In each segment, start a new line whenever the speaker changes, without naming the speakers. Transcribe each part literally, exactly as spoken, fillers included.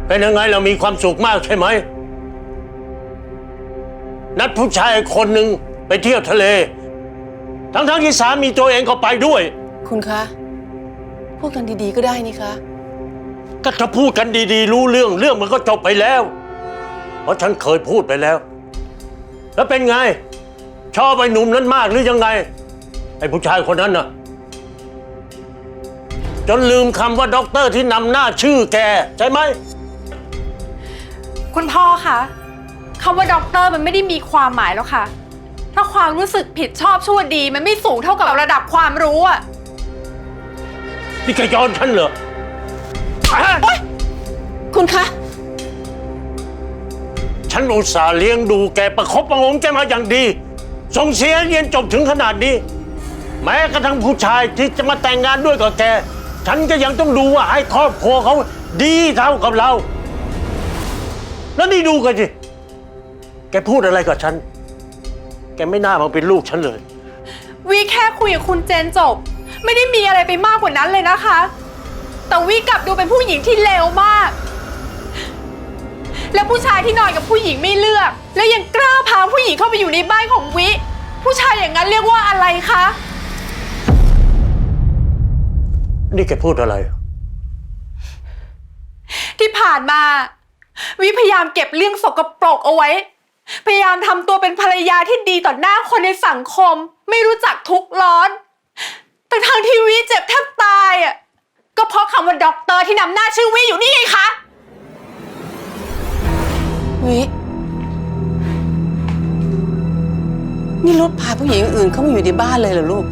เป็นยังไงเรามีความสุขมากใช่ไหมนัดผู้ชายคนหนึ่งไปเที่ยวทะเลทั้งๆที่สามีตัวเองก็ไปด้วย
คุณคะพูดกันดีๆก็ได้นี่คะ
ก็ถ้าพูดกันดีๆรู้เรื่องเรื่องมันก็จบไปแล้วเพราะฉันเคยพูดไปแล้วแล้วเป็นไงชอบไอ้หนุ่มนั้นมากหรือยังไงไอ้ผู้ชายคนนั้นน่ะจนลืมคำว่าด็อกเตอร์ที่นำหน้าชื่อแกใช่ไหม
คุณพ่อคะคำว่าด็อกเตอร์มันไม่ได้มีความหมายแล้วค่ะถ้าความรู้สึกผิดชอบชั่วดีมันไม่สูงเท่ากับระดับความรู้อะ
นี่แกย้อนฉันเหรอ
คุณคะ
ฉันอุตส่าห์เลี้ยงดูแกประคบประงมแกมาอย่างดีส่งเสียเรียนจบถึงขนาดนี้แม้กระทั่งผู้ชายที่จะมาแต่งงานด้วยกับแกฉันก็ยังต้องดูว่าให้ครอบครัวเขาดีเท่ากับเราแล้วนี่ดูกันสิแกพูดอะไรกับฉันแกไม่น่ามาเป็นลูกฉันเลย
วีแค่คุยกับคุณเจนจบไม่ได้มีอะไรไปมากกว่านั้นเลยนะคะแต่วีกลับดูเป็นผู้หญิงที่เลวมากและผู้ชายที่นอนกับผู้หญิงไม่เลือกและยังกล้าพาผู้หญิงเข้าไปอยู่ในบ้านของวิผู้ชายอย่างนั้นเรียกว่าอะไรคะ
นี่แกพูดอะไร
ที่ผ่านมาวิพยายามเก็บเรื่องสกปรกเอาไว้พยายามทำตัวเป็นภรรยาที่ดีต่อหน้าคนในสังคมไม่รู้จักทุกข์ร้อนแต่ทางที่วิเจ็บแทบตายอ่ะก็เพราะคำว่าด็อกเตอร์ที่นำหน้าชื่อวิอยู่นี่ไงคะ
วินี่รุดพาผู้หญิงอื่นเข้ามาอยู่ในบ้านเลยเหรอลูก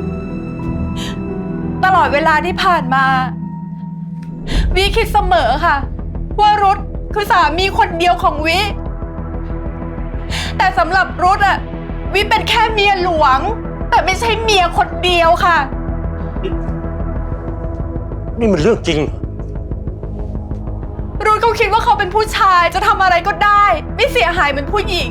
ตลอดเวลาที่ผ่านมาวิคิดเสมอค่ะว่ารุดคือสามีคนเดียวของวิแต่สำหรับรุดอะวิเป็นแค่เมียหลวงแต่ไม่ใช่เมียคนเดียวค่ะ
นี่มันเรื่องจริง
รุดเขาคิดว่าเขาเป็นผู้ชายจะทำอะไรก็ได้ไม่เสียหายเหมือนผู้หญิง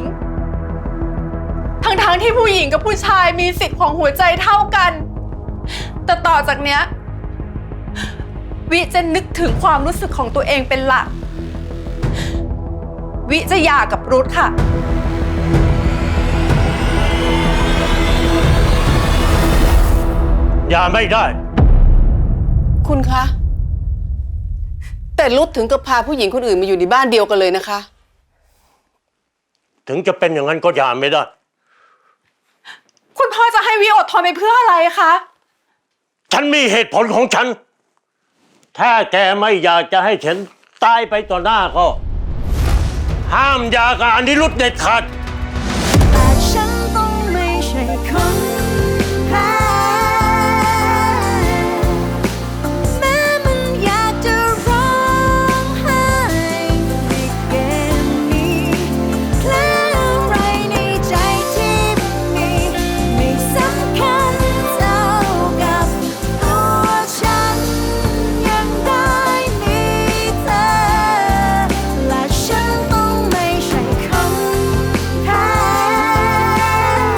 ทั้งๆที่ผู้หญิงกับผู้ชายมีสิทธิ์ของหัวใจเท่ากันแต่ต่อจากเนี้ยวิจะนึกถึงความรู้สึกของตัวเองเป็นหลักวิจะหย่ากับรุดค่ะ
อย่าไม่ได้
คุณคะแต่รุดถึงกับพาผู้หญิงคนอื่นมาอยู่ในบ้านเดียวกันเลยนะคะ
ถึงจะเป็นอย่างนั้นก็อย่าไม่ได้
คุณพ่อจะให้วิอดทนไปเพื่ออะไรคะ
ฉันมีเหตุผลของฉันถ้าแกไม่อยากจะให้ฉันตายไปต่อหน้าก็ห้ามหย่ากับอนิรุทธเด็ดขาดแต่ฉันต้องไม่ใช่คน